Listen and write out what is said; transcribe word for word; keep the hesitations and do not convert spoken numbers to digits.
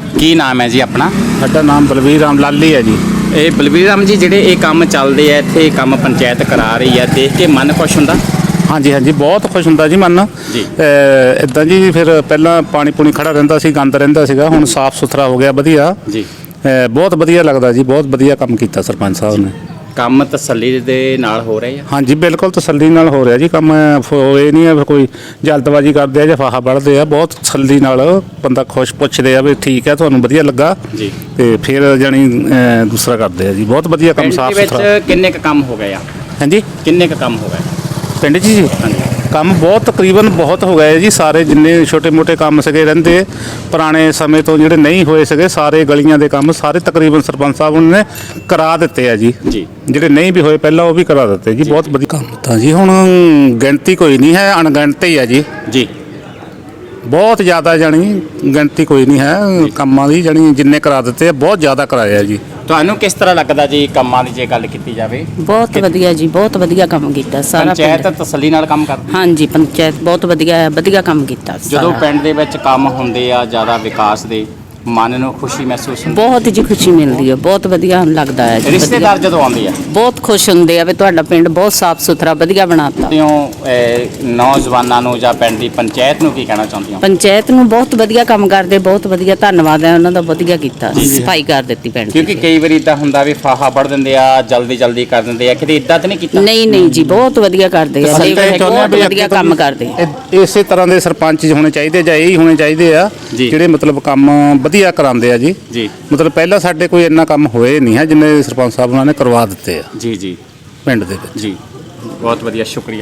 ਕੀ ਨਾਮ ਹੈ ਜੀ ਆਪਣਾ? ਸਾਡਾ ਨਾਮ ਬਲਵੀਰ ਰਾਮ ਲਾਲੀ ਹੈ ਜੀ। ਇਹ ਬਲਵੀਰ ਰਾਮ ਜੀ, ਜਿਹੜੇ ਇਹ ਕੰਮ ਚੱਲਦੇ ਆ ਇੱਥੇ, ਕੰਮ ਪੰਚਾਇਤ ਕਰਾ ਰਹੀ ਆ, ਦੇਖ ਕੇ ਮਨ ਖੁਸ਼ ਹੁੰਦਾ? ਹਾਂਜੀ ਹਾਂਜੀ, ਬਹੁਤ ਖੁਸ਼ ਹੁੰਦਾ ਜੀ ਮਨ। ਜੀ। ਇਦਾਂ ਜੀ, ਫਿਰ ਪਹਿਲਾਂ ਪਾਣੀ ਪੂਣੀ ਖੜਾ ਰਹਿੰਦਾ ਸੀ, ਗੰਦ ਰਹਿੰਦਾ ਸੀਗਾ, ਹੁਣ ਸਾਫ਼ ਸੁਥਰਾ ਹੋ ਗਿਆ, ਵਧੀਆ ਜੀ। ਬਹੁਤ ਵਧੀਆ ਲੱਗਦਾ ਜੀ, ਬਹੁਤ ਵਧੀਆ ਕੰਮ ਕੀਤਾ ਸਰਪੰਚ ਸਾਹਿਬ ਨੇ। ਕੰਮ ਤਸੱਲੀ ਦੇ ਨਾਲ ਹੋ ਰਿਹਾ? ਹਾਂਜੀ, ਬਿਲਕੁਲ ਤਸੱਲੀ ਨਾਲ ਹੋ ਰਿਹਾ ਜੀ ਕੰਮ। ਇਹ ਨਹੀਂ ਹੈ ਕੋਈ ਜਲਦਬਾਜ਼ੀ ਕਰਦੇ ਆ ਜਾਂ ਫਾਹਾ ਵੜਦੇ ਆ, ਬਹੁਤ ਤਸੱਲੀ ਨਾਲ ਬੰਦਾ ਖੁਸ਼ ਪੁੱਛਦੇ ਆ ਵੀ ਠੀਕ ਹੈ, ਤੁਹਾਨੂੰ ਵਧੀਆ ਲੱਗਾ ਜੀ, ਤੇ ਫਿਰ ਜਾਣੀ ਦੂਸਰਾ ਕਰਦੇ ਆ ਜੀ। ਬਹੁਤ ਵਧੀਆ ਕੰਮ, ਸਾਫ਼ ਸੁਥਰਾ। ਵਿੱਚ ਕਿੰਨੇ ਕੁ ਕੰਮ ਹੋ ਗਏ ਆ? ਹਾਂਜੀ, ਕਿੰਨੇ ਕੁ ਕੰਮ ਹੋ ਗਏ ਪਿੰਡ 'ਚ ਜੀ? ਹਾਂਜੀ, ਕੰਮ ਬਹੁਤ ਤਕਰੀਬਨ ਬਹੁਤ ਹੋ ਗਏ ਜੀ। ਸਾਰੇ ਜਿੰਨੇ ਛੋਟੇ ਮੋਟੇ ਕੰਮ ਸੀਗੇ ਰਹਿੰਦੇ ਪੁਰਾਣੇ ਸਮੇਂ ਤੋਂ, ਜਿਹੜੇ ਨਹੀਂ ਹੋਏ ਸੀਗੇ, ਸਾਰੇ ਗਲੀਆਂ ਦੇ ਕੰਮ ਸਾਰੇ ਤਕਰੀਬਨ ਸਰਪੰਚ ਸਾਹਿਬ ਨੇ ਕਰਾ ਦਿੱਤੇ ਆ ਜੀ। ਜੀ, ਜਿਹੜੇ ਨਹੀਂ ਵੀ ਹੋਏ ਪਹਿਲਾਂ ਉਹ ਵੀ ਕਰਾ ਦਿੱਤੇ ਜੀ। ਬਹੁਤ ਵਧੀਆ ਕੰਮ ਤਾਂ ਜੀ, ਹੁਣ ਗਿਣਤੀ ਕੋਈ ਨਹੀਂ ਹੈ, ਅਣਗਿਣਤ ਹੀ ਆ ਜੀ। ਜੀ, ਬਹੁਤ ਜ਼ਿਆਦਾ ਜਾਣੀ ਗਿਣਤੀ ਕੋਈ ਨਹੀਂ ਹੈ ਕੰਮਾਂ ਦੀ, ਜਾਣੀ ਜਿੰਨੇ ਕਰਾ ਦਿੱਤੇ ਆ ਬਹੁਤ ਜ਼ਿਆਦਾ ਕਰਾਇਆ ਜੀ। ਤੁਹਾਨੂੰ ਕਿਸ ਤਰ੍ਹਾਂ ਲੱਗਦਾ ਜੀ ਕੰਮਾਂ ਦੀ ਜੇ ਗੱਲ ਕੀਤੀ ਜਾਵੇ? ਬਹੁਤ ਵਧੀਆ ਜੀ, ਬਹੁਤ ਵਧੀਆ ਕੰਮ ਕੀਤਾ ਸਾਰਾ ਪੰਚਾਇਤ ਤਸੱਲੀ ਨਾਲ ਕੰਮ ਕਰਦੀ? ਹਾਂਜੀ, ਪੰਚਾਇਤ ਬਹੁਤ ਵਧੀਆ ਵਧੀਆ ਕੰਮ ਕੀਤਾ। ਜਦੋਂ ਪਿੰਡ ਦੇ ਵਿੱਚ ਕੰਮ ਹੁੰਦੇ ਆ ਜ਼ਿਆਦਾ ਵਿਕਾਸ ਦੇ, ਮਨ ਨੂੰ ਖੁਸ਼ੀ ਮਹਿਸੂਸ ਹੁੰਦੀ? ਬਹੁਤ ਜੀ ਖੁਸ਼ੀ ਮਿਲਦੀ ਹੈ, ਬਹੁਤ ਵਧੀਆ ਲੱਗਦਾ ਹੈ ਜੀ। ਰਿਸ਼ਤੇਦਾਰ ਜਦੋਂ ਆਉਂਦੇ ਆ ਬਹੁਤ ਖੁਸ਼ ਹੁੰਦੇ ਆ ਵੀ ਤੁਹਾਡਾ ਪਿੰਡ ਬਹੁਤ ਸਾਫ਼ ਸੁਥਰਾ ਵਧੀਆ ਬਣਾਤਾ। ਨੌਜਵਾਨਾਂ ਨੂੰ ਜਾਂ ਪਿੰਡ ਦੀ ਪੰਚਾਇਤ ਨੂੰ ਕੀ ਕਹਿਣਾ ਚਾਹੁੰਦੀ ਹੋ? ਪੰਚਾਇਤ ਨੂੰ ਬਹੁਤ ਵਧੀਆ ਕੰਮ ਕਰਦੇ, ਬਹੁਤ ਵਧੀਆ, ਧੰਨਵਾਦ ਹੈ ਉਹਨਾਂ ਦਾ, ਵਧੀਆ ਕੀਤਾ, ਸਫਾਈ ਕਰ ਦਿੱਤੀ ਪਿੰਡ ਦੀ। ਕਿਉਂਕਿ ਕਈ ਵਾਰੀ ਇਦਾਂ ਹੁੰਦਾ ਵੀ ਫਾਹਾ ਵੜ ਦਿੰਦੇ ਆ, ਜਲਦੀ ਜਲਦੀ ਕਰ ਦਿੰਦੇ ਆ, ਕਿਤੇ ਇਦਾਂ ਤਾਂ ਨਹੀਂ ਕੀਤਾ? ਨਹੀਂ ਨਹੀਂ ਜੀ, ਬਹੁਤ ਵਧੀਆ ਕਰਦੇ ਆ, ਬਹੁਤ ਵਧੀਆ ਕੰਮ ਕਰਦੇ। ਇਸੇ ਤਰ੍ਹਾਂ ਦੇ ਸਰਪੰਚ ਹੋਣੇ ਚਾਹੀਦੇ ਜਾਂ ਇਹੀ ਹੋਣੇ ਚਾਹੀਦੇ ਆ ਜਿਹੜੇ ਮਤਲਬ ਕੰਮ ਵਧੀਆ ਕਰਾਉਂਦੇ ਆ ਜੀ। ਜੀ, ਮਤਲਬ ਪਹਿਲਾਂ ਸਾਡੇ ਕੋਈ ਇੰਨਾ ਕੰਮ ਹੋਏ ਨਹੀਂ ਹੈ ਜਿੰਨੇ ਸਰਪੰਚ ਸਾਹਿਬ ਉਹਨਾਂ ਨੇ ਕਰਵਾ ਦਿੱਤੇ ਆ। ਜੀ ਜੀ, ਪਿੰਡ ਦੇ ਵਿੱਚ। ਜੀ, ਬਹੁਤ ਵਧੀਆ, ਸ਼ੁਕਰੀਆ।